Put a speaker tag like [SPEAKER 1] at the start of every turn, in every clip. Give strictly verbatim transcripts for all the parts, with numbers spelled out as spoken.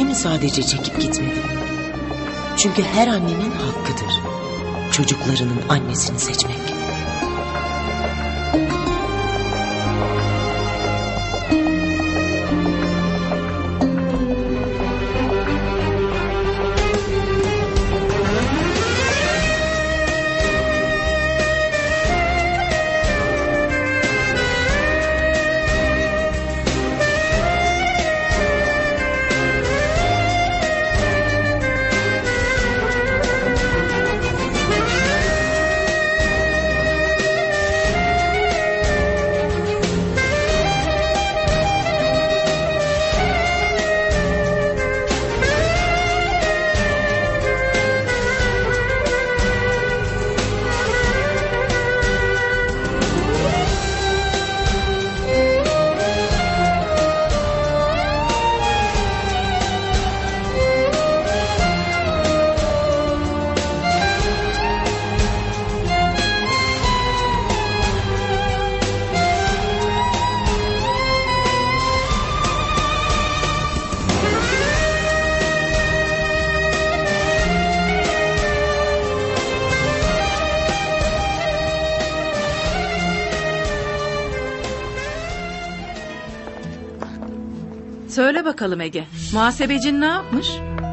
[SPEAKER 1] mi sadece çekip gitmedim? Çünkü her annenin hakkıdır çocuklarının annesini seçmek.
[SPEAKER 2] Söyle bakalım Ege, muhasebecin ne yapmış?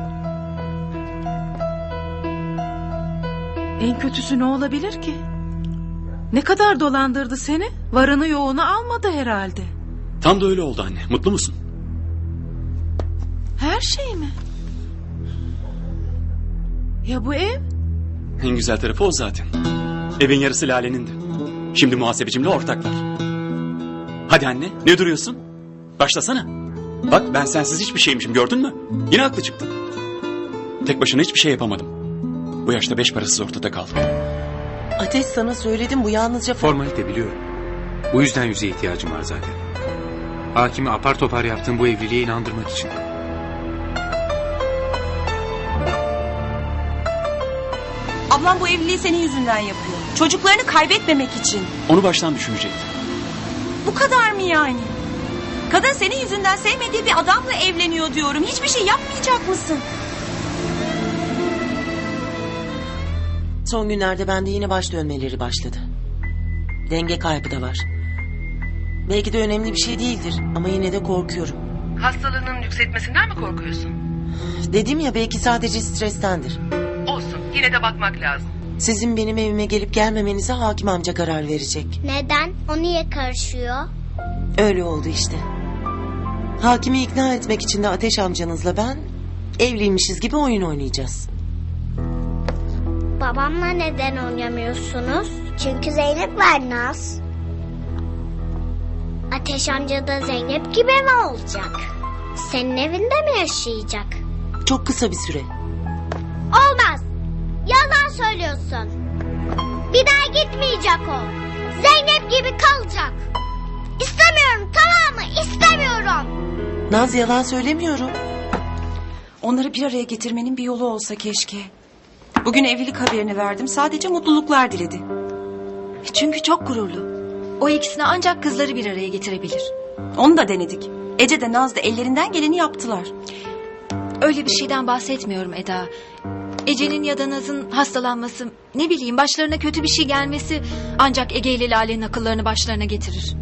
[SPEAKER 2] En kötüsü ne olabilir ki? Ne kadar dolandırdı seni? Varını yoğunu almadı herhalde.
[SPEAKER 3] Tam da öyle oldu anne. Mutlu musun?
[SPEAKER 2] Her şey mi? Ya bu ev?
[SPEAKER 3] En güzel tarafı o zaten. Evin yarısı Lale'nindi. Şimdi muhasebecimle ortaklar. Hadi anne, ne duruyorsun? Başlasana. Bak ben sensiz hiçbir şeymişim, gördün mü? Yine haklı çıktın. Tek başına hiçbir şey yapamadım. Bu yaşta beş parasız ortada kaldım.
[SPEAKER 1] Ateş, sana söyledim, bu yalnızca...
[SPEAKER 4] Formalite biliyorum. Bu yüzden yüzeye ihtiyacım var zaten. Hakimi apar topar yaptığım bu evliliğe inandırmak için.
[SPEAKER 5] Ablam bu evliliği senin yüzünden yapıyor. Çocuklarını kaybetmemek için.
[SPEAKER 3] Onu baştan düşünecektim.
[SPEAKER 5] Bu kadar mı yani? Kadın senin yüzünden sevmediği bir adamla evleniyor diyorum. Hiçbir şey yapmayacak mısın?
[SPEAKER 1] Son günlerde bende yine baş dönmeleri başladı. Denge kaybı da var. Belki de önemli bir şey değildir ama yine de korkuyorum.
[SPEAKER 6] Hastalığının yükseltmesinden mi korkuyorsun?
[SPEAKER 1] Dedim ya, belki sadece strestendir.
[SPEAKER 6] Olsun, yine de bakmak lazım.
[SPEAKER 1] Sizin benim evime gelip gelmemenize hakim amca karar verecek.
[SPEAKER 7] Neden? O niye karışıyor?
[SPEAKER 1] Öyle oldu işte. Hakimi ikna etmek için de Ateş amcanızla ben evliymişiz gibi oyun oynayacağız.
[SPEAKER 7] Babamla neden oynamıyorsunuz? Çünkü Zeynep var Naz. Ateş amca da Zeynep gibi mi olacak? Senin evinde mi yaşayacak?
[SPEAKER 1] Çok kısa bir süre.
[SPEAKER 7] Olmaz. Yalan söylüyorsun. Bir daha gitmeyecek o. Zeynep gibi kalacak. İstemiyorum, tamam mı? İstemiyorum.
[SPEAKER 1] Naz, yalan söylemiyorum.
[SPEAKER 5] Onları bir araya getirmenin bir yolu olsa keşke. Bugün evlilik haberini verdim. Sadece mutluluklar diledi.
[SPEAKER 8] Çünkü çok gururlu. O ikisini ancak kızları bir araya getirebilir.
[SPEAKER 5] Onu da denedik. Ece de Naz da ellerinden geleni yaptılar.
[SPEAKER 8] Öyle bir şeyden bahsetmiyorum Eda. Ece'nin ya da Naz'ın hastalanması, ne bileyim başlarına kötü bir şey gelmesi ancak Ege ile Lale'nin akıllarını başlarına getirir.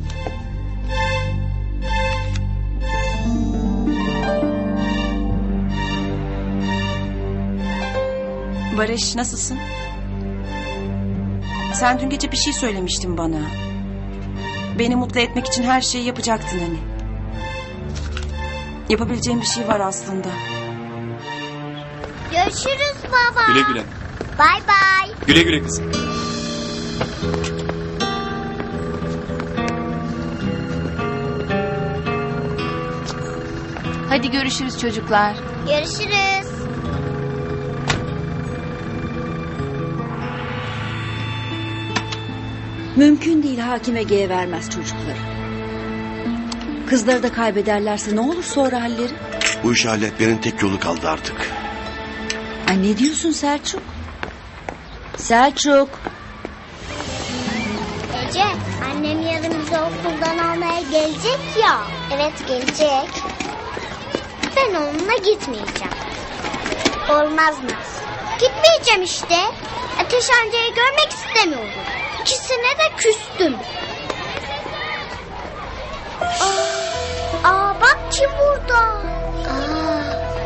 [SPEAKER 5] Barış, nasılsın? Sen dün gece bir şey söylemiştin bana. Beni mutlu etmek için her şeyi yapacaktın hani. Yapabileceğim bir şey var aslında.
[SPEAKER 7] Görüşürüz baba.
[SPEAKER 3] Güle güle.
[SPEAKER 7] Bay bay.
[SPEAKER 3] Güle güle kızım.
[SPEAKER 8] Hadi görüşürüz çocuklar.
[SPEAKER 7] Görüşürüz.
[SPEAKER 9] Mümkün değil, hakim Ege'ye vermez çocukları. Kızları da kaybederlerse ne olur sonra halleri?
[SPEAKER 10] Bu işi halletmenin tek yolu kaldı artık.
[SPEAKER 9] Ay, ne diyorsun Selçuk? Selçuk.
[SPEAKER 7] Ece, annem yarın bizi okuldan almaya gelecek ya. Evet, gelecek. Ben onunla gitmeyeceğim. Olmaz Naz. Gitmeyeceğim işte. Ateş amcayı görmek istemiyorum. İkisine de küstüm. Aa, aa bak kim burada. Aa.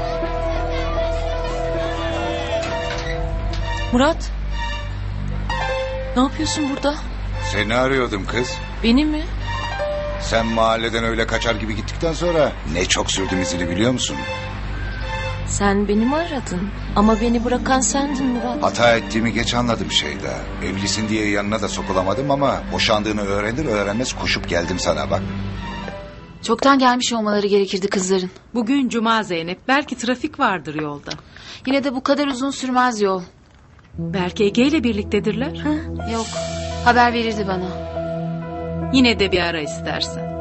[SPEAKER 2] Murat. Ne yapıyorsun burada?
[SPEAKER 11] Seni arıyordum kız.
[SPEAKER 2] Beni mi?
[SPEAKER 11] Sen mahalleden öyle kaçar gibi gittikten sonra ne çok sürdüm izini biliyor musun?
[SPEAKER 2] Sen beni mi aradın? Ama beni bırakan sendin Murat.
[SPEAKER 11] Hata ettiğimi geç anladım Şeyda. Evlisin diye yanına da sokulamadım ama boşandığını öğrenir öğrenmez koşup geldim sana bak.
[SPEAKER 8] Çoktan gelmiş olmaları gerekirdi kızların.
[SPEAKER 2] Bugün cuma Zeynep. Belki trafik vardır yolda.
[SPEAKER 8] Yine de bu kadar uzun sürmez yol.
[SPEAKER 2] Belki Ege ile birliktedirler.
[SPEAKER 8] Yok. Haber verirdi bana.
[SPEAKER 2] Yine de bir ara istersen.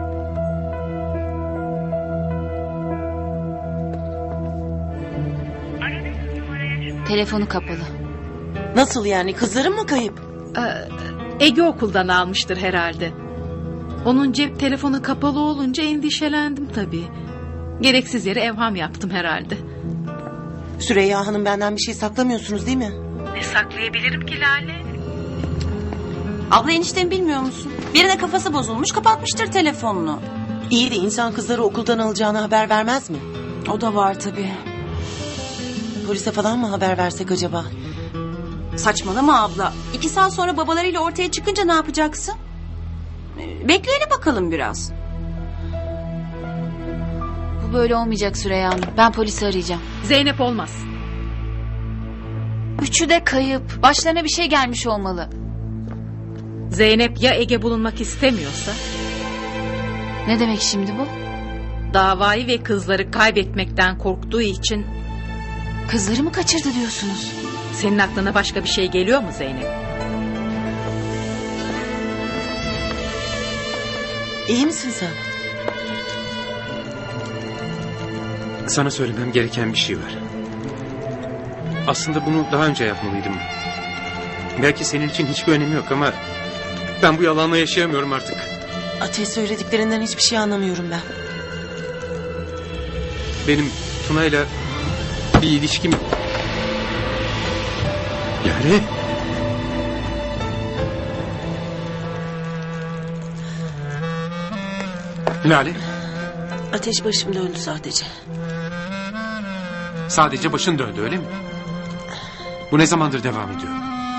[SPEAKER 8] Telefonu kapalı.
[SPEAKER 1] Nasıl yani, kızların mı kayıp?
[SPEAKER 2] Ee, Ege okuldan almıştır herhalde. Onun cep telefonu kapalı olunca endişelendim tabii. Gereksiz yere evham yaptım herhalde.
[SPEAKER 1] Süreyya Hanım, benden bir şey saklamıyorsunuz değil mi?
[SPEAKER 2] Ne saklayabilirim ki Lale?
[SPEAKER 5] Abla eniştemi bilmiyor musun? Birine kafası bozulmuş kapatmıştır telefonunu.
[SPEAKER 1] İyi de insan kızları okuldan alacağını haber vermez mi?
[SPEAKER 5] O da var tabii.
[SPEAKER 1] Polise falan mı haber versek acaba?
[SPEAKER 5] Saçmalama abla. İki saat sonra babalarıyla ortaya çıkınca ne yapacaksın? Ee, Bekleyelim bakalım biraz.
[SPEAKER 8] Bu böyle olmayacak Süreyya Hanım. Ben polisi arayacağım.
[SPEAKER 2] Zeynep olmaz.
[SPEAKER 8] Üçü de kayıp. Başlarına bir şey gelmiş olmalı.
[SPEAKER 2] Zeynep ya Ege bulunmak istemiyorsa?
[SPEAKER 8] Ne demek şimdi bu?
[SPEAKER 2] Davayı ve kızları kaybetmekten korktuğu için...
[SPEAKER 8] Kızları mı kaçırdı diyorsunuz?
[SPEAKER 2] Senin aklına başka bir şey geliyor mu Zeynep?
[SPEAKER 1] İyi misin sen?
[SPEAKER 4] Sana söylemem gereken bir şey var. Aslında bunu daha önce yapmalıydım. Belki senin için hiçbir önemi yok ama... ben bu yalanla yaşayamıyorum artık.
[SPEAKER 1] Ateş, söylediklerinden hiçbir şey anlamıyorum ben.
[SPEAKER 4] Benim Tuna'yla bir ilişkim... Yani... Lale,
[SPEAKER 1] Ateş, başım döndü sadece.
[SPEAKER 4] sadece başın döndü öyle mi? Bu ne zamandır devam ediyor?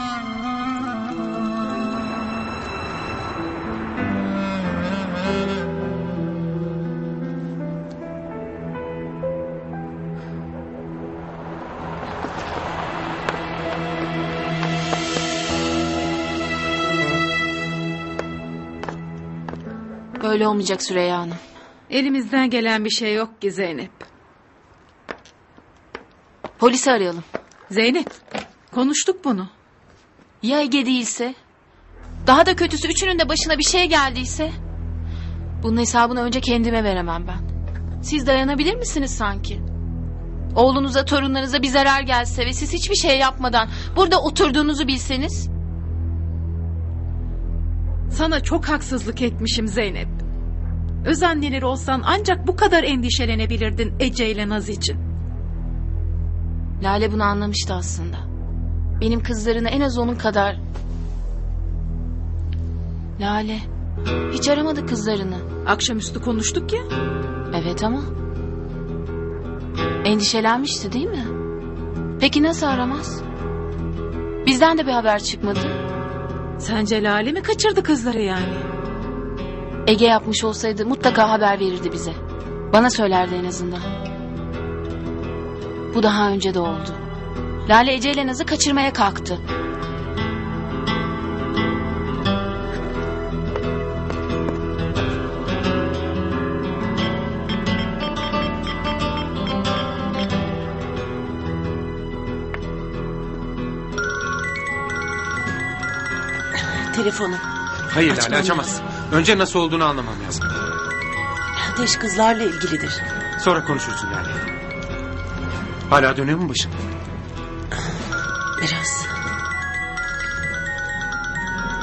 [SPEAKER 8] Böyle olmayacak Süreyya Hanım.
[SPEAKER 2] Elimizden gelen bir şey yok ki Zeynep.
[SPEAKER 8] Polisi arayalım.
[SPEAKER 2] Zeynep, konuştuk bunu.
[SPEAKER 8] Ya Ege değilse? Daha da kötüsü üçünün de başına bir şey geldiyse? Bunun hesabını önce kendime veremem ben. Siz dayanabilir misiniz sanki? Oğlunuza, torunlarınıza bir zarar gelse ve siz hiçbir şey yapmadan burada oturduğunuzu bilseniz?
[SPEAKER 2] Sana çok haksızlık etmişim Zeynep. Öz anneleri olsan ancak bu kadar endişelenebilirdin Ece ile Naz için.
[SPEAKER 8] Lale bunu anlamıştı aslında. Benim kızlarını en az onun kadar... Lale hiç aramadı kızlarını.
[SPEAKER 2] Akşamüstü konuştuk ya.
[SPEAKER 8] Evet ama... endişelenmişti değil mi? Peki nasıl aramaz? Bizden de bir haber çıkmadı.
[SPEAKER 2] Sence Lale mi kaçırdı kızları yani?
[SPEAKER 8] Ege yapmış olsaydı mutlaka haber verirdi bize. Bana söylerdi en azından. Bu daha önce de oldu. Lale Ece ile Naz'ı kaçırmaya kalktı.
[SPEAKER 1] Telefonu.
[SPEAKER 3] Hayır
[SPEAKER 1] Açmam
[SPEAKER 3] Lale, açamazsın. Önce nasıl olduğunu anlamam lazım.
[SPEAKER 1] Ateş kızlarla ilgilidir.
[SPEAKER 3] Sonra konuşursun Lale. Hala dönüyor mu başın?
[SPEAKER 1] Biraz.